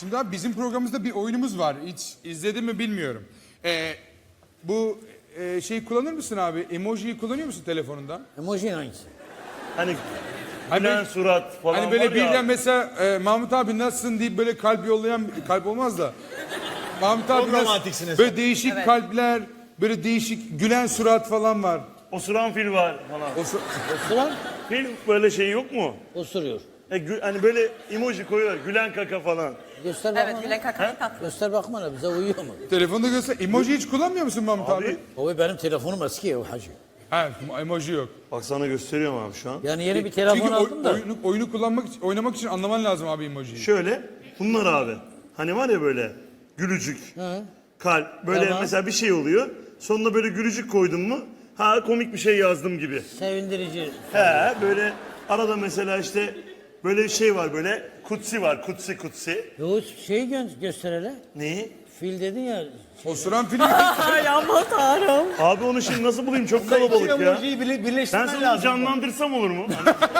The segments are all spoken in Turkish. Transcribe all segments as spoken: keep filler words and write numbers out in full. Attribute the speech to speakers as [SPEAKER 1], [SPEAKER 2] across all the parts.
[SPEAKER 1] Şimdi abi bizim programımızda bir oyunumuz var. Hiç izledin mi bilmiyorum. Ee, bu e, şeyi kullanır mısın abi? Emojiyi kullanıyor musun telefonunda?
[SPEAKER 2] Emoji hangisi?
[SPEAKER 3] Hani
[SPEAKER 1] Hani
[SPEAKER 3] gülen
[SPEAKER 1] böyle-
[SPEAKER 3] surat falan
[SPEAKER 1] Hani böyle
[SPEAKER 3] var ya.
[SPEAKER 1] birden mesela e, Mahmut abi nasılsın deyip böyle kalp yollayan, kalp olmaz da. Mahmut abi
[SPEAKER 4] Çok
[SPEAKER 1] nasıl-
[SPEAKER 4] romantiksiniz.
[SPEAKER 1] Böyle değişik kalpler, böyle değişik gülen surat falan var.
[SPEAKER 3] Osuran fil var falan.
[SPEAKER 1] O, su-
[SPEAKER 2] Osuran
[SPEAKER 3] Fil böyle şey yok mu?
[SPEAKER 2] osuruyor.
[SPEAKER 3] E, gü- hani böyle emoji koyuyorlar. Gülen kaka falan.
[SPEAKER 2] Göster bakma.
[SPEAKER 5] Evet, Gülen Kaka'nın tatlı.
[SPEAKER 2] Göster bakma bize uyuyor mu?
[SPEAKER 1] telefonda göster. Emoji hiç kullanmıyor musun Mahmut abi?
[SPEAKER 3] Abi
[SPEAKER 2] O benim telefonum eski ya o hacı.
[SPEAKER 1] Ha, emoji yok.
[SPEAKER 3] bak sana gösteriyorum abi şu an.
[SPEAKER 2] Yani yeni bir telefon
[SPEAKER 1] Çünkü oy-
[SPEAKER 2] aldım da.
[SPEAKER 1] oyunu, oyunu kullanmak için, oynamak için anlaman lazım abi emojiyi.
[SPEAKER 3] Şöyle bunlar abi. Hani var ya böyle gülücük, kalp böyle
[SPEAKER 2] Tamam.
[SPEAKER 3] mesela bir şey oluyor. Sonuna böyle gülücük koydun mu? Ha komik bir şey yazdım gibi.
[SPEAKER 2] Sevindirici.
[SPEAKER 3] He böyle arada mesela işte böyle şey var böyle kutsi var kutsi kutsi.
[SPEAKER 2] Yo şey gö göster hele.
[SPEAKER 3] Neyi?
[SPEAKER 2] Fil dedin ya.
[SPEAKER 1] Osuran film.
[SPEAKER 5] Ay aman tanrım.
[SPEAKER 3] Abi onu şimdi nasıl bulayım çok kalabalık ya.
[SPEAKER 4] Emojiyi birle-
[SPEAKER 3] Ben
[SPEAKER 4] birleştirmen
[SPEAKER 3] sana
[SPEAKER 4] lazım.
[SPEAKER 3] canlandırsam olur mu?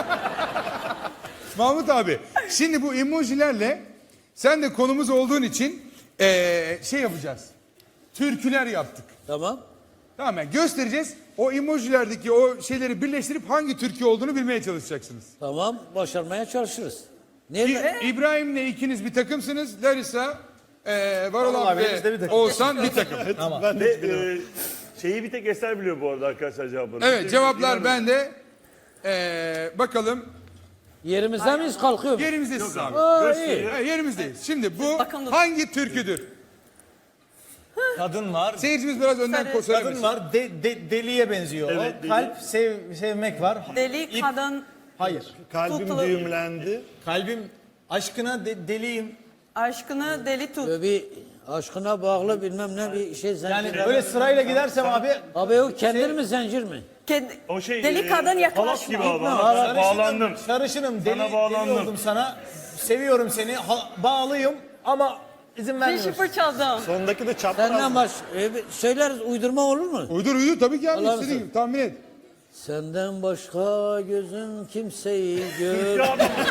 [SPEAKER 1] Mahmut abi şimdi bu emojilerle sen de konumuz olduğun için eee, şey yapacağız. Türküler yaptık.
[SPEAKER 2] Tamam.
[SPEAKER 1] Tamam yani göstereceğiz. O emojilerdeki o şeyleri birleştirip hangi türkü olduğunu bilmeye çalışacaksınız.
[SPEAKER 2] Tamam. Başarmaya çalışırız.
[SPEAKER 1] İ-
[SPEAKER 2] Nerede?
[SPEAKER 1] İbrahim'le ikiniz bir takımsınız. Larissa, eee Varol
[SPEAKER 4] Vallahi
[SPEAKER 1] abi
[SPEAKER 4] biz de bir
[SPEAKER 1] ve
[SPEAKER 4] takım.
[SPEAKER 1] Oğuzhan bir takım.
[SPEAKER 3] Ve e, şeyi bir tek Eser biliyor bu arada arkadaşlar cevapları.
[SPEAKER 1] Evet cevaplar bende. Eee, bakalım
[SPEAKER 2] Yerimizde miyiz kalkıyor muyuz?
[SPEAKER 1] yerimizdeyiz abi.
[SPEAKER 2] Aa, iyi.
[SPEAKER 1] Ha, yerimizdeyiz. Şimdi bu
[SPEAKER 5] Bakalım.
[SPEAKER 1] hangi türküdür?
[SPEAKER 4] Kadın var.
[SPEAKER 1] Seyircimiz biraz önden
[SPEAKER 5] Sarı-
[SPEAKER 1] ko- söylemesin.
[SPEAKER 4] Kadın var. De, de- deliye benziyor.
[SPEAKER 3] Evet,
[SPEAKER 4] o.
[SPEAKER 3] deli.
[SPEAKER 4] Kalp sev, sevmek var.
[SPEAKER 5] Deli
[SPEAKER 4] İp-
[SPEAKER 5] kadın
[SPEAKER 4] Hayır.
[SPEAKER 3] Kalbim
[SPEAKER 5] Tutulu.
[SPEAKER 3] düğümlendi.
[SPEAKER 4] Kalbim aşkına de- deliyim.
[SPEAKER 5] aşkını deli tut.
[SPEAKER 2] Böyle bir aşkına bağlı bilmem ne bir şey zincir.
[SPEAKER 4] Yani böyle sırayla gidersem abi
[SPEAKER 2] Abi o kendir mi zincir mi?
[SPEAKER 5] Kendi,
[SPEAKER 3] O şey
[SPEAKER 5] deli
[SPEAKER 3] e,
[SPEAKER 5] kadın
[SPEAKER 3] halat
[SPEAKER 5] yaklaşma.
[SPEAKER 3] gibi abi.
[SPEAKER 2] halat.
[SPEAKER 3] halat. Bağlandım.
[SPEAKER 4] sarışınım, deli, deli
[SPEAKER 3] bağlandım.
[SPEAKER 4] oldum sana. Seviyorum seni, ha- bağlıyım ama izin
[SPEAKER 5] Dişi
[SPEAKER 4] vermiyorsun.
[SPEAKER 5] fırçaladım.
[SPEAKER 3] Sondaki de çapraz.
[SPEAKER 2] Senden baş e, bir- söyleriz uydurma olur mu?
[SPEAKER 1] Uydur uydur tabii ki abi
[SPEAKER 2] Allah'ım
[SPEAKER 1] istediğin
[SPEAKER 2] sen.
[SPEAKER 1] gibi tahmin et.
[SPEAKER 2] Senden başka gözüm kimseyi görmüyor.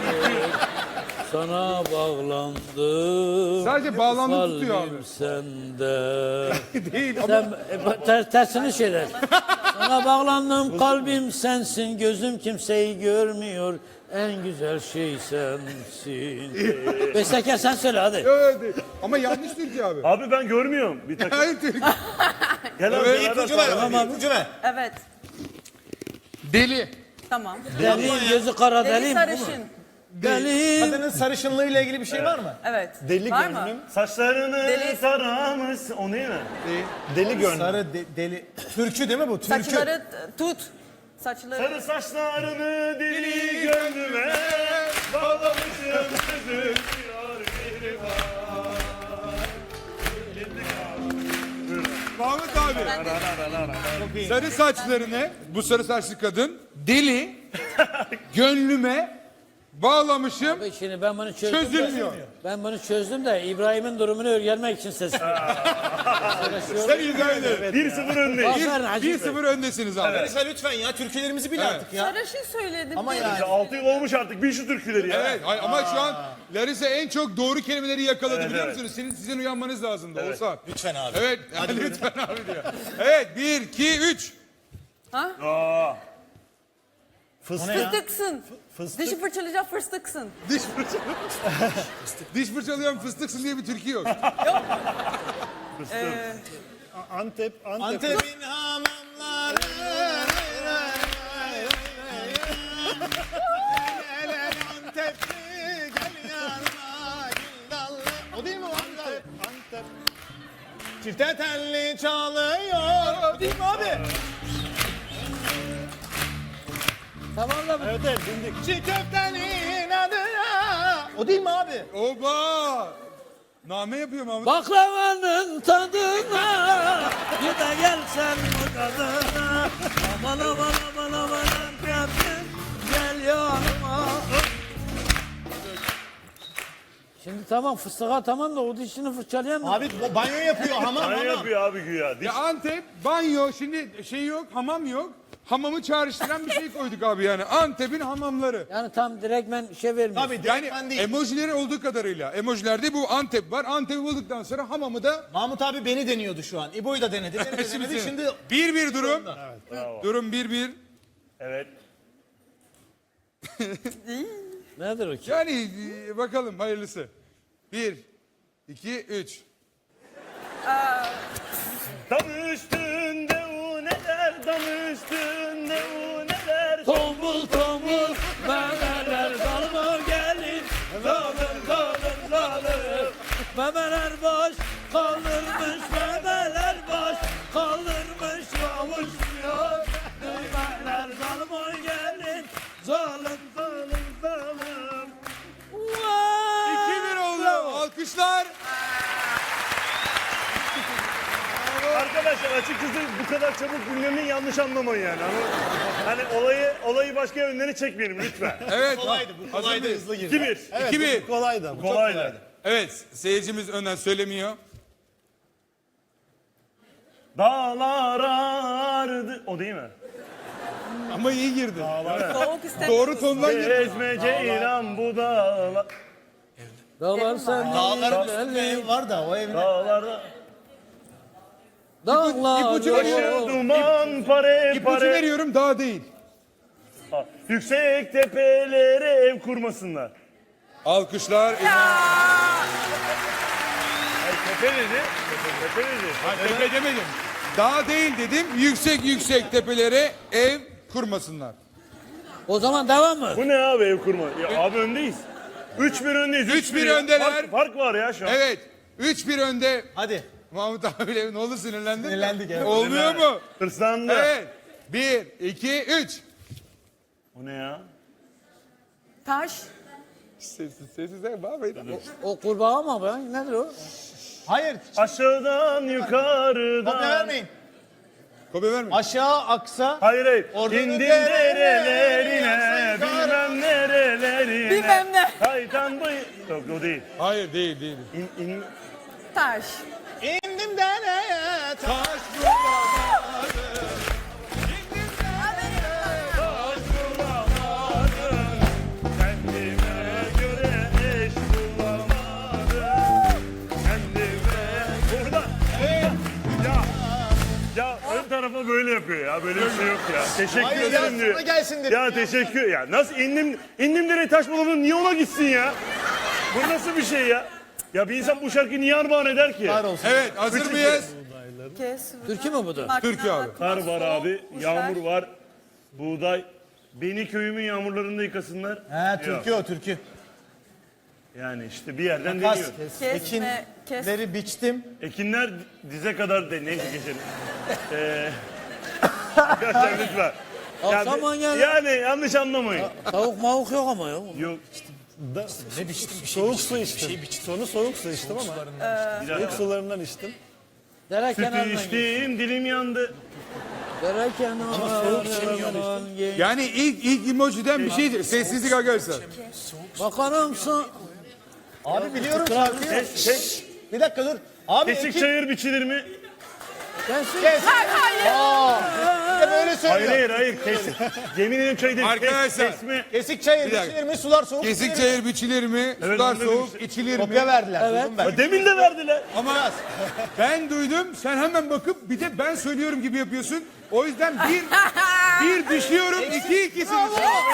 [SPEAKER 2] Sana bağlandım.
[SPEAKER 1] Sadece bağlandı tutuyor abi.
[SPEAKER 2] Kalbim sende.
[SPEAKER 1] Değil ama
[SPEAKER 2] Sen e, ter, tersini şeyler. Sana bağlandım kalbim sensin. Gözüm kimseyi görmüyor. En güzel şey sensin. Bestekar sen söyle hadi.
[SPEAKER 1] evet, değil. Ama yanlış türkü abi.
[SPEAKER 3] Abi ben görmüyorum. Bir takım.
[SPEAKER 1] Hayır türkü.
[SPEAKER 3] Gel abi.
[SPEAKER 1] Evet,
[SPEAKER 3] beraber
[SPEAKER 4] İpucu ver,
[SPEAKER 3] sağlam.
[SPEAKER 4] abi, ipucu ver.
[SPEAKER 5] Evet.
[SPEAKER 1] Deli.
[SPEAKER 5] Tamam.
[SPEAKER 2] Deliyim gözü kara
[SPEAKER 5] Deli
[SPEAKER 2] deliyim.
[SPEAKER 5] sarışın.
[SPEAKER 2] Deliyim.
[SPEAKER 4] Kadının sarışınlığıyla ilgili bir şey var mı?
[SPEAKER 5] Evet.
[SPEAKER 3] Deli
[SPEAKER 5] Var mı?
[SPEAKER 3] gönlüm. Saçlarını
[SPEAKER 5] Deli-
[SPEAKER 3] taramış. O ne mi? Deli gönlüm.
[SPEAKER 4] Sarı de- deli. Türkü değil mi bu? Türkü.
[SPEAKER 5] Saçları tut. Saçları.
[SPEAKER 3] Sarı saçlarını deli gönlüme bağlamışım sözüm diyor bir var.
[SPEAKER 1] Mahmut abi. Sarı saçlarını bu sarı saçlı kadın deli gönlüme bağlamışım.
[SPEAKER 2] Abi Şimdi ben bunu çözdüm. de-
[SPEAKER 1] Çözülmüyor.
[SPEAKER 2] Ben bunu çözdüm de İbrahim'in durumunu öğrenmek için seslendim.
[SPEAKER 1] Sen izah edin.
[SPEAKER 3] bir sıfır öndeyiz.
[SPEAKER 2] Aferin Hacı
[SPEAKER 1] bir
[SPEAKER 2] Bey.
[SPEAKER 1] sıfır öndesiniz abi.
[SPEAKER 4] Larissa lütfen ya türkülerimizi bil artık ya.
[SPEAKER 5] Sarışın söyledim.
[SPEAKER 4] Ama
[SPEAKER 5] deli.
[SPEAKER 4] yani.
[SPEAKER 3] altı yıl olmuş artık. Bil şu türküleri ya.
[SPEAKER 1] Evet hay- ama şu an Larissa en çok doğru kelimeleri yakaladı
[SPEAKER 3] Evet,
[SPEAKER 1] biliyor
[SPEAKER 3] evet.
[SPEAKER 1] musunuz? Sizin, sizin uyanmanız lazımdı Oğuzhan.
[SPEAKER 4] Lütfen abi.
[SPEAKER 1] Evet lütfen abi diyor. Evet bir iki üç.
[SPEAKER 3] Aa.
[SPEAKER 5] Fıstıksın. Dişi fırçalayacak fıstıksın.
[SPEAKER 1] Diş fırçalıyor. Diş fırçalayan fıstıksın diye bir türkü yok.
[SPEAKER 3] Antep, Antep.
[SPEAKER 4] Antep'in hamamları. Antepli gel yanıma gül dallı. O değil mi o Antep? Antep. Çifte telli çalıyor. O değil mi abi?
[SPEAKER 2] Tamam da
[SPEAKER 3] Evet evet dindik.
[SPEAKER 4] Çiğ köftenin adına. O değil mi abi?
[SPEAKER 1] Oba! Name yapıyor Mahmut.
[SPEAKER 2] baklavanın tadına bir de gelsen bu kadına. Aman aman aman aman Antep'im gel yanıma. Şimdi tamam fıstığa tamam da o dişini fırçalayan da.
[SPEAKER 4] Abi o banyo yapıyor hamam
[SPEAKER 3] Ne
[SPEAKER 4] hamam.
[SPEAKER 3] yapıyor abi güya? Diş-
[SPEAKER 1] Ya Antep, banyo, şimdi şey yok, hamam yok. hamamı çağrıştıran bir şey koyduk abi yani. Antep'in hamamları.
[SPEAKER 2] Yani tam direkt ben şey vermiyorum.
[SPEAKER 4] Tabii
[SPEAKER 1] Yani
[SPEAKER 4] direkt ben değil.
[SPEAKER 1] emojileri olduğu kadarıyla. Emojilerde bu Antep var. Antep'i bulduktan sonra hamamı da
[SPEAKER 4] Mahmut abi beni deniyordu şu an. İbo'yu da denedi. Beni de denedi. Şimdi
[SPEAKER 1] bir bir durum.
[SPEAKER 3] Bravo.
[SPEAKER 1] Durum bir bir.
[SPEAKER 3] Evet.
[SPEAKER 2] Nedir o ki?
[SPEAKER 1] Yani e, bakalım hayırlısı. Bir, iki, üç.
[SPEAKER 3] Dam üstünde u neler, dam üstünde u neler.
[SPEAKER 2] Tombul tombul memeler dalma gelin. Dalın dalın dalın. Memeler baş kaldırmış, memeler baş kaldırmış, yavuşmuyor. Memeler dalma gelin. Zalim zalim zalim.
[SPEAKER 1] iki bir oldu. Alkışlar.
[SPEAKER 3] Arkadaşlar açıkçası bu kadar çabuk bilmemi yanlış anlamayın yani. Ama hani olayı olayı başka yönlere çekmeyelim lütfen.
[SPEAKER 1] Evet.
[SPEAKER 4] kolaydı bu.
[SPEAKER 1] Hazır
[SPEAKER 4] Kolaydı
[SPEAKER 1] mıyız?
[SPEAKER 4] hızlı girdi.
[SPEAKER 3] iki bir.
[SPEAKER 4] Evet,
[SPEAKER 1] İki bir.
[SPEAKER 4] bu kolaydı. Bu çok
[SPEAKER 3] Kolaydı.
[SPEAKER 4] kolaydı.
[SPEAKER 1] Evet. Seyircimiz önden söylemiyor.
[SPEAKER 3] Dağlar ardı. O değil mi?
[SPEAKER 1] Ama iyi girdi.
[SPEAKER 5] Soğuk istemiyoruz.
[SPEAKER 1] Doğru tondan girdi.
[SPEAKER 3] Gezmece inan bu dağlar.
[SPEAKER 2] Dağlar sen
[SPEAKER 4] Dağların üstünde ev var da o evin.
[SPEAKER 3] Dağlarda.
[SPEAKER 2] Dağlar
[SPEAKER 1] İpucu
[SPEAKER 3] Başı
[SPEAKER 1] veriyorum.
[SPEAKER 3] duman pare
[SPEAKER 1] İpucu
[SPEAKER 3] pare.
[SPEAKER 1] veriyorum daha değil.
[SPEAKER 3] Ha, yüksek tepelere ev kurmasınlar.
[SPEAKER 1] Alkışlar.
[SPEAKER 3] Ay, tepe dedi. Tepe dedi.
[SPEAKER 1] Ha, tepe demedim. Dağ değil dedim. Yüksek yüksek tepelere ev kurmasınlar.
[SPEAKER 2] O zaman devam mı?
[SPEAKER 3] Bu ne abi ev kurma? Ya abi öndeyiz. üç bir öndeyiz.
[SPEAKER 1] Üç bir
[SPEAKER 3] ya.
[SPEAKER 1] öndeler.
[SPEAKER 3] Fark, fark var ya şu an.
[SPEAKER 1] Evet. üç bir önde.
[SPEAKER 4] Hadi.
[SPEAKER 1] Mahmut abiyle ne oldu sinirlendin mi?
[SPEAKER 4] Sinirlendik, evet.
[SPEAKER 1] Olmuyor mu?
[SPEAKER 3] Hırslandı.
[SPEAKER 1] Evet. Bir, iki, üç.
[SPEAKER 3] O ne ya?
[SPEAKER 5] Taş.
[SPEAKER 1] Sessiz sessiz. Bağırmayın.
[SPEAKER 2] O kurbağa mı be? Nedir o?
[SPEAKER 4] Hayır.
[SPEAKER 3] Aşağıdan yukarıdan.
[SPEAKER 4] Kopya vermeyin.
[SPEAKER 1] Kopya verme.
[SPEAKER 4] Aşağı aksa.
[SPEAKER 3] Hayır hayır.
[SPEAKER 4] Oradan
[SPEAKER 3] İndim
[SPEAKER 4] nerelere,
[SPEAKER 3] derelerine, bilmem nerelerine.
[SPEAKER 5] Bilmem ne.
[SPEAKER 3] Kaytan bu... Yok o değil.
[SPEAKER 1] Hayır değil değil.
[SPEAKER 3] İn, in...
[SPEAKER 5] Taş.
[SPEAKER 4] İndim dereye.
[SPEAKER 1] Taş
[SPEAKER 3] Kendime göre eş bulamadım. Kendime... Burada. Ya. Ya ön tarafa böyle yapıyor ya. Böyle bir şey yok ya. Teşekkür
[SPEAKER 4] Hayır ya,
[SPEAKER 3] ederim diyor.
[SPEAKER 4] sana gelsin dedim
[SPEAKER 3] Ya,
[SPEAKER 4] ya.
[SPEAKER 3] teşekkür. Ya nasıl indim indim nereye taş bulamadım, niye ona gitsin ya? Bu nasıl bir şey ya? Ya bir insan bu şarkıyı niye armağan eder ki?
[SPEAKER 4] Var olsun.
[SPEAKER 1] Evet hazır mıyız?
[SPEAKER 5] Kes.
[SPEAKER 2] Türkü mü bu da?
[SPEAKER 5] Makina,
[SPEAKER 1] Türkiye abi.
[SPEAKER 3] Kar var abi,
[SPEAKER 5] soğuk,
[SPEAKER 3] yağmur
[SPEAKER 5] kuşlar.
[SPEAKER 3] var, buğday. Beni köyümün yağmurlarında yıkasınlar.
[SPEAKER 4] He türkü o türkü.
[SPEAKER 3] Yani işte bir yerden
[SPEAKER 4] Kas.
[SPEAKER 3] geliyor.
[SPEAKER 5] Kesme, kes.
[SPEAKER 4] Ekinleri biçtim.
[SPEAKER 3] Ekinler dize kadar de neyse geçelim. Ee, Arkadaşlar lütfen.
[SPEAKER 2] Akşama
[SPEAKER 3] Yani,
[SPEAKER 2] gel.
[SPEAKER 3] yani yanlış anlamayın.
[SPEAKER 2] Tavuk mavuk yok ama ya.
[SPEAKER 3] Yok.
[SPEAKER 6] Ne biçtim? Soğuk su içtim. Sonu soğuk su içtim ama soğuk sularından içtim.
[SPEAKER 2] Dere
[SPEAKER 3] Sütü
[SPEAKER 2] kenarından git.
[SPEAKER 3] içtim, dilim yandı.
[SPEAKER 2] Dere kenarından git.
[SPEAKER 1] Yani ilk ilk emojiden bir şey sessizlik arkadaşlar.
[SPEAKER 2] Bakarım su.
[SPEAKER 4] Abi biliyorum şarkıyı.
[SPEAKER 3] Kes, kes.
[SPEAKER 4] Bir dakika dur. Abi
[SPEAKER 3] Kesik
[SPEAKER 4] Ekin.
[SPEAKER 3] çayır biçilir mi?
[SPEAKER 2] Sensin.
[SPEAKER 4] Kes.
[SPEAKER 5] Hayır.
[SPEAKER 4] Bir de böyle
[SPEAKER 3] Hayır
[SPEAKER 4] söylüyor.
[SPEAKER 3] hayır hayır. Kesik. Yemin ederim çay değil. Kes-
[SPEAKER 1] Arkadaşlar.
[SPEAKER 3] Kesme.
[SPEAKER 4] Kesik çayır
[SPEAKER 1] Bir dakika.
[SPEAKER 4] biçilir mi? Sular soğuk
[SPEAKER 1] Kesik
[SPEAKER 4] içilir mi?
[SPEAKER 1] çayır biçilir mi?
[SPEAKER 3] Evet,
[SPEAKER 1] Sular
[SPEAKER 3] onu dedim
[SPEAKER 1] soğuk
[SPEAKER 3] işte.
[SPEAKER 1] içilir mi?
[SPEAKER 4] Kopya verdiler.
[SPEAKER 2] Evet.
[SPEAKER 4] Duydum ben.
[SPEAKER 3] Ya demin de verdiler.
[SPEAKER 1] Ama ben duydum. Sen hemen bakıp bir de ben söylüyorum gibi yapıyorsun. O yüzden bir bir düşüyorum. iki ikisiniz.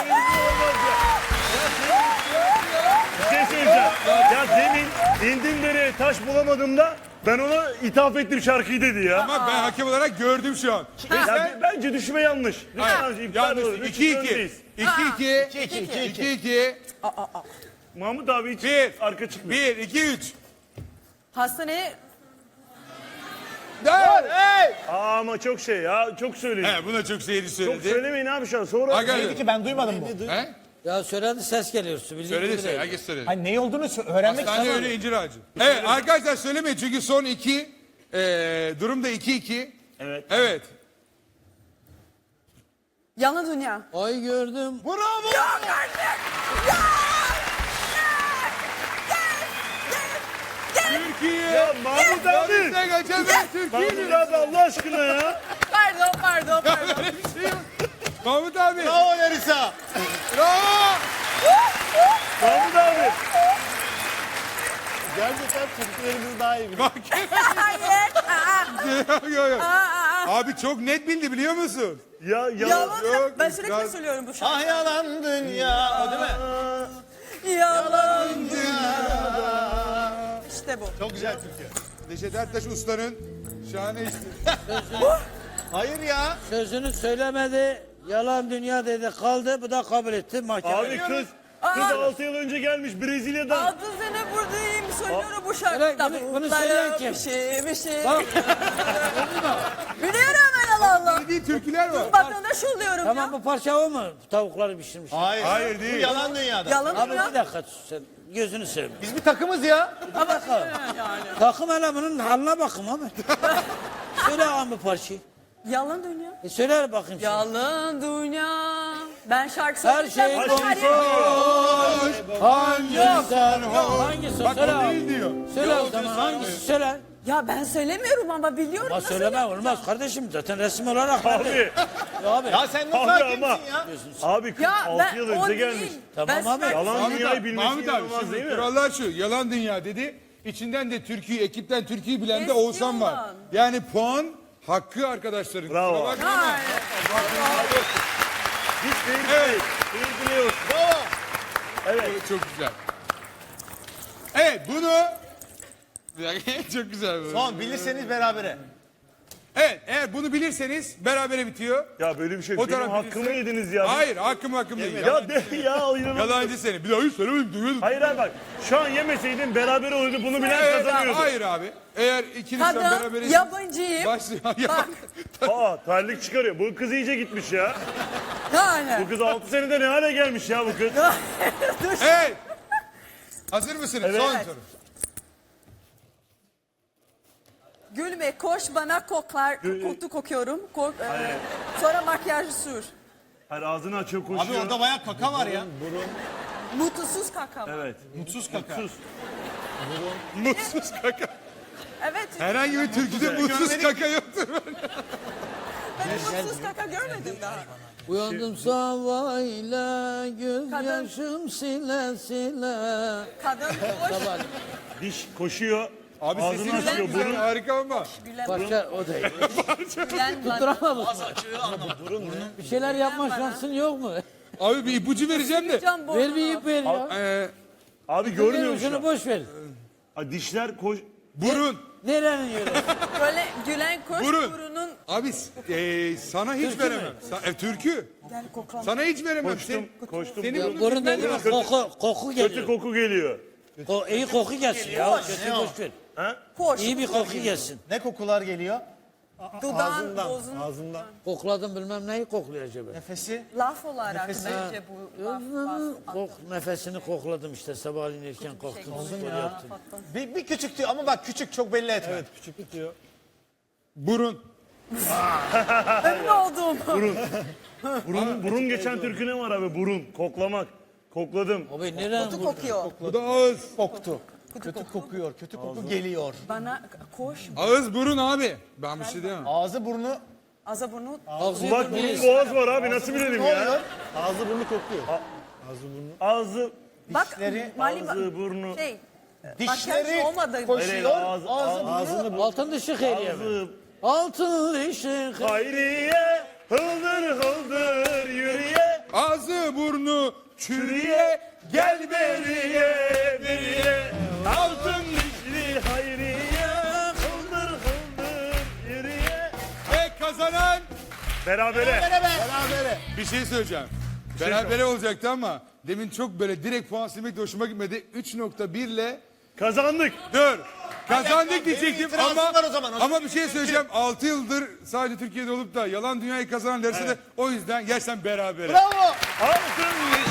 [SPEAKER 3] Bir şey söyleyeceğim. Ya demin indim dereye taş bulamadım da ben ona ithaf ettim şarkıyı dedi ya.
[SPEAKER 1] Ama ben hakem olarak gördüm şu an.
[SPEAKER 3] Ya b- bence düşme yanlış.
[SPEAKER 1] Hayır,
[SPEAKER 3] Lütfen iptal olur.
[SPEAKER 1] yanlış.
[SPEAKER 3] Üç
[SPEAKER 1] iki iki.
[SPEAKER 3] öndeyiz.
[SPEAKER 1] iki iki.
[SPEAKER 4] İki, iki, iki, iki.
[SPEAKER 1] iki iki.
[SPEAKER 3] Mahmut abi hiç
[SPEAKER 1] Bir.
[SPEAKER 3] arka çıkmıyor.
[SPEAKER 1] bir iki üç.
[SPEAKER 5] Hastaneye
[SPEAKER 1] Dört.
[SPEAKER 4] Hey!
[SPEAKER 3] Aa, ama çok şey ya. Çok söyleyin.
[SPEAKER 1] He, buna çok seyirci
[SPEAKER 3] Çok
[SPEAKER 1] söyledi.
[SPEAKER 3] söylemeyin abi şu an. Sonra
[SPEAKER 1] Arkadaşlar.
[SPEAKER 4] Neydi ki ben duymadım bu.
[SPEAKER 1] He?
[SPEAKER 2] Ya söyledi ses geliyor. Bildiğin
[SPEAKER 1] Söyledi
[SPEAKER 2] gibi
[SPEAKER 1] söyledi.
[SPEAKER 2] değil.
[SPEAKER 1] Herkes söyledi.
[SPEAKER 4] Hani ne olduğunu sö- öğrenmek
[SPEAKER 1] Hastane
[SPEAKER 4] istiyorum.
[SPEAKER 1] önü incir ağacı. Evet arkadaşlar söylemeyin çünkü son iki. Eee durum da iki iki.
[SPEAKER 3] Evet.
[SPEAKER 1] Evet.
[SPEAKER 5] yalan dünya.
[SPEAKER 2] Ay gördüm.
[SPEAKER 1] Bravo. Türkiye.
[SPEAKER 3] Ya Mahmut abi.
[SPEAKER 1] Yarışta kaçan ben
[SPEAKER 3] Mahmut
[SPEAKER 1] Türkiye'yim.
[SPEAKER 3] abi Allah aşkına ya.
[SPEAKER 5] Pardon, pardon, pardon.
[SPEAKER 1] Böyle bir şey yok. Mahmut abi.
[SPEAKER 4] Bravo Larisa.
[SPEAKER 1] Bravo.
[SPEAKER 3] Mahmut abi.
[SPEAKER 4] Gerçekten çocuklarımız daha iyi biliyor.
[SPEAKER 1] Bak.
[SPEAKER 5] Hayır. Aa,
[SPEAKER 1] Yok, yok.
[SPEAKER 5] aa, aa.
[SPEAKER 1] Abi çok net bildi biliyor musun?
[SPEAKER 3] Ya ya.
[SPEAKER 5] Yalan.
[SPEAKER 1] yok,
[SPEAKER 5] Ben sürekli
[SPEAKER 1] biraz-
[SPEAKER 5] söylüyorum bu şarkıyı.
[SPEAKER 4] Ah yalan dünya. O değil mi?
[SPEAKER 5] Yalan. İşte bu.
[SPEAKER 4] Çok güzel Türkiye.
[SPEAKER 1] Neşet Ertaş Usta'nın şahane işi.
[SPEAKER 4] Hayır ya.
[SPEAKER 2] Sözünü söylemedi. Yalan dünya dedi kaldı. Bu da kabul etti mahkeme.
[SPEAKER 3] Abi kız kız altı yıl önce gelmiş Brezilya'dan.
[SPEAKER 5] Altı sene buradayım söylüyorum bu
[SPEAKER 2] Öyle,
[SPEAKER 5] şarkıda.
[SPEAKER 2] bunu- bunu söyleyen kim?
[SPEAKER 5] Bir şey bir şey.
[SPEAKER 2] Bak.
[SPEAKER 5] Biliyorum ben Allah Allah.
[SPEAKER 1] Değil türküler var.
[SPEAKER 5] Vatandaş oluyorum
[SPEAKER 2] Tamam
[SPEAKER 5] ya.
[SPEAKER 2] bu parça o mu? Tavukları pişirmiş.
[SPEAKER 4] Hayır.
[SPEAKER 1] Hayır, değil.
[SPEAKER 4] Bu yalan dünyada.
[SPEAKER 5] Yalan
[SPEAKER 2] Abi
[SPEAKER 5] ya.
[SPEAKER 2] bir dakika sus sen. Gözünü seveyim.
[SPEAKER 4] Biz bir takımız ya.
[SPEAKER 5] Ama yani.
[SPEAKER 2] Takım hele bunun haline bakın abi. Söyle abi bu parçayı.
[SPEAKER 5] Yalan dünya.
[SPEAKER 2] E söyle bakayım şimdi.
[SPEAKER 5] Yalan dünya. Ben şarkı
[SPEAKER 2] Her
[SPEAKER 5] söyleyeceğim.
[SPEAKER 2] şey
[SPEAKER 5] bu
[SPEAKER 2] boş.
[SPEAKER 5] her yer-
[SPEAKER 1] Hangisi sen
[SPEAKER 2] Yok, hangisi?
[SPEAKER 1] Bak
[SPEAKER 2] Söyle
[SPEAKER 1] o
[SPEAKER 2] abi.
[SPEAKER 1] değil diyor.
[SPEAKER 2] Söyle o zaman hangisi söyle.
[SPEAKER 5] Ya ben söylemiyorum ama biliyorum.
[SPEAKER 2] Ama
[SPEAKER 5] nasıl
[SPEAKER 2] söyleme
[SPEAKER 5] yapacağım?
[SPEAKER 2] olmaz kardeşim zaten resim olarak.
[SPEAKER 3] Abi.
[SPEAKER 2] Ya abi.
[SPEAKER 4] Ya sen nasıl
[SPEAKER 3] Abi
[SPEAKER 4] hakimsin
[SPEAKER 3] ama.
[SPEAKER 4] ya?
[SPEAKER 3] Abi kız
[SPEAKER 5] Ya
[SPEAKER 3] altı
[SPEAKER 5] ben
[SPEAKER 3] yıl
[SPEAKER 5] o
[SPEAKER 3] önce
[SPEAKER 5] değil.
[SPEAKER 3] gelmiş.
[SPEAKER 2] Tamam
[SPEAKER 5] Ben
[SPEAKER 2] abi.
[SPEAKER 5] süper-
[SPEAKER 3] Yalan
[SPEAKER 1] Mahmut
[SPEAKER 3] dünyayı
[SPEAKER 1] abi,
[SPEAKER 3] bilmesi
[SPEAKER 1] Mahmut abi
[SPEAKER 3] inanılmaz
[SPEAKER 1] şimdi
[SPEAKER 3] değil mi?
[SPEAKER 1] kurallar şu. Yalan dünya dedi. İçinden de Türkiye, ekipten Türkiye'yi bilen de
[SPEAKER 5] Eski
[SPEAKER 1] Oğuzhan var.
[SPEAKER 5] olan.
[SPEAKER 1] Yani puan hakkı arkadaşların.
[SPEAKER 3] Bravo.
[SPEAKER 1] Kusura bakma ama.
[SPEAKER 5] Hayır.
[SPEAKER 3] Hiç değil. Evet. Değil biliyoruz.
[SPEAKER 1] Evet, çok güzel. Evet bunu... Bir dakika, çok güzel bu.
[SPEAKER 4] Son bilirseniz berabere.
[SPEAKER 1] Evet eğer bunu bilirseniz berabere bitiyor.
[SPEAKER 3] Ya böyle bir şey.
[SPEAKER 1] O
[SPEAKER 3] Benim
[SPEAKER 1] taraf
[SPEAKER 3] hakkımı
[SPEAKER 1] bilirse-
[SPEAKER 3] yediniz ya.
[SPEAKER 1] Hayır hakkım hakkım değil.
[SPEAKER 3] Ya de ya inanılmaz.
[SPEAKER 1] Yalancı seni. Bir daha hiç söylemedim duyuyordum.
[SPEAKER 3] Hayır hayır bak. Şu an yemeseydin beraber olurdu. Bunu bilen
[SPEAKER 1] Evet,
[SPEAKER 3] kazanıyordu.
[SPEAKER 1] hayır abi. Eğer ikinizden
[SPEAKER 5] Kadın,
[SPEAKER 1] beraberiz...
[SPEAKER 5] yabancıyım.
[SPEAKER 1] Başlıyor. Ya.
[SPEAKER 5] Bak.
[SPEAKER 3] Aa terlik çıkarıyor. Bu kız iyice gitmiş ya.
[SPEAKER 5] Yani.
[SPEAKER 3] Bu kız altı senede ne hale gelmiş ya bu kız.
[SPEAKER 5] Dur.
[SPEAKER 1] Evet. Hazır mısınız?
[SPEAKER 3] Evet.
[SPEAKER 1] Son
[SPEAKER 5] Evet.
[SPEAKER 1] soru.
[SPEAKER 5] Gülme koş bana koklar. Koku kokuyorum. Kok, e, sonra makyaj sür.
[SPEAKER 3] Hayır ağzını açıyor
[SPEAKER 4] Abi
[SPEAKER 3] koşuyor.
[SPEAKER 4] orada bayağı kaka var ya.
[SPEAKER 5] Mutsuz kaka.
[SPEAKER 3] Evet.
[SPEAKER 4] Mutsuz kaka.
[SPEAKER 3] Sus.
[SPEAKER 1] Mutsuz kaka.
[SPEAKER 5] Evet.
[SPEAKER 1] Herhangi bir türküde mutsuz kaka yoktur.
[SPEAKER 5] Ben mutsuz kaka görmedim daha.
[SPEAKER 2] Uyandım sabahıyla gözyaşım sile sile.
[SPEAKER 5] Kadın koş.
[SPEAKER 2] Sabah
[SPEAKER 3] Diş koşuyor.
[SPEAKER 1] Abi
[SPEAKER 3] Ağzını
[SPEAKER 1] sesiniz
[SPEAKER 3] açıyor.
[SPEAKER 1] çok güzel.
[SPEAKER 3] Burun.
[SPEAKER 1] Harika ama.
[SPEAKER 5] Gülen,
[SPEAKER 2] parça o değil.
[SPEAKER 5] gülen bana.
[SPEAKER 2] Duramamış. Bir şeyler yapma şansın yok mu?
[SPEAKER 1] Abi bir ipucu vereceğim de.
[SPEAKER 5] Can
[SPEAKER 2] Ver bir ip ver ya.
[SPEAKER 1] Ee,
[SPEAKER 3] Abi görmüyor
[SPEAKER 2] Şunu
[SPEAKER 3] musun?
[SPEAKER 2] boş ver.
[SPEAKER 3] Aa, dişler koş.
[SPEAKER 1] burun.
[SPEAKER 2] Nerenin yeri?
[SPEAKER 5] Böyle gülen koş
[SPEAKER 1] Burun.
[SPEAKER 5] burunun.
[SPEAKER 1] Abi e, sana hiç
[SPEAKER 2] Türkü
[SPEAKER 1] veremem.
[SPEAKER 2] mü?
[SPEAKER 1] Sa- e, türkü.
[SPEAKER 5] Gel koklan.
[SPEAKER 1] Sana hiç veremem.
[SPEAKER 3] Koştum.
[SPEAKER 1] Sen-
[SPEAKER 3] Koştum.
[SPEAKER 1] Senin
[SPEAKER 3] Burun.
[SPEAKER 1] bunu
[SPEAKER 2] Burun
[SPEAKER 1] bilmen
[SPEAKER 2] dediğimiz
[SPEAKER 1] lazım.
[SPEAKER 2] koku, koku
[SPEAKER 3] Kötü
[SPEAKER 2] geliyor.
[SPEAKER 3] koku geliyor.
[SPEAKER 2] Ko iyi koku gelsin ya. Kötü boş ver.
[SPEAKER 5] Koş.
[SPEAKER 2] İyi bir koku gelsin.
[SPEAKER 4] Ne kokular geliyor?
[SPEAKER 5] Dudağın,
[SPEAKER 4] Ağzından.
[SPEAKER 5] bozun.
[SPEAKER 4] Ağzından.
[SPEAKER 2] Kokladım bilmem neyi kokluyor acaba.
[SPEAKER 4] Nefesi.
[SPEAKER 5] Laf olarak
[SPEAKER 4] Nefesi.
[SPEAKER 5] bence bu laf. laf-
[SPEAKER 2] Kok, nefesini kokladım işte sabahleyin erken kalktım. Spor yaptım.
[SPEAKER 4] Bir, bir küçük diyor ama bak küçük çok belli etme. Evet küçük diyor.
[SPEAKER 1] Burun.
[SPEAKER 5] Ünlü oldum.
[SPEAKER 3] Burun, burun geçen türkü ne var abi? Burun. Koklamak. Kokladım.
[SPEAKER 2] Abi nereden
[SPEAKER 5] Kutu
[SPEAKER 2] vurdun?
[SPEAKER 5] kokuyor.
[SPEAKER 1] Bu da ağız.
[SPEAKER 4] Koktu. Kötü kokuyor. Kötü koku geliyor.
[SPEAKER 5] Bana koş.
[SPEAKER 1] Ağız burun abi. Ben bir şey diyemem.
[SPEAKER 4] Ağzı burnu
[SPEAKER 5] Aza burnu.
[SPEAKER 2] Ağzı
[SPEAKER 3] Kulak
[SPEAKER 2] yudum
[SPEAKER 3] burun
[SPEAKER 2] değil.
[SPEAKER 3] boğaz var abi. Nasıl bilelim
[SPEAKER 4] ne
[SPEAKER 3] ya?
[SPEAKER 4] oluyor? Ağzı burnu kokuyor.
[SPEAKER 3] Ağzı,
[SPEAKER 5] Bak
[SPEAKER 4] Dişleri,
[SPEAKER 5] Mali
[SPEAKER 3] ağzı, burnu.
[SPEAKER 5] şey.
[SPEAKER 4] Dişleri
[SPEAKER 5] Makyaj olmadı.
[SPEAKER 3] Hayır,
[SPEAKER 4] koşuyor.
[SPEAKER 3] ağzı-
[SPEAKER 4] Ağzı burnu.
[SPEAKER 3] ağzını
[SPEAKER 2] Altın dışı hediye mi?
[SPEAKER 3] Ağzı.
[SPEAKER 2] Altın dışı
[SPEAKER 3] Hayriye. Hıldır hıldır yürüye.
[SPEAKER 1] Ağzı burnu çürüye. Gel beriye beriye.
[SPEAKER 3] Altın dişli hayriye. Hıldır hıldır yürüye.
[SPEAKER 1] Ve kazanan
[SPEAKER 3] Berabere.
[SPEAKER 4] Berabere.
[SPEAKER 1] bir şey söyleyeceğim. Berabere olacaktı ama demin çok böyle direkt puan silmek de hoşuma gitmedi. üç nokta bir ile
[SPEAKER 3] Kazandık.
[SPEAKER 1] dur. Kazandık
[SPEAKER 4] Benim
[SPEAKER 1] diyecektim
[SPEAKER 4] itirazım
[SPEAKER 1] ama
[SPEAKER 4] var o zaman. O
[SPEAKER 1] ama
[SPEAKER 4] zaman
[SPEAKER 1] bir şey söyleyeceğim. altı yıldır sadece Türkiye'de olup da yalan dünyayı kazanan derse de o yüzden gerçekten berabere.
[SPEAKER 4] Bravo.
[SPEAKER 3] Altın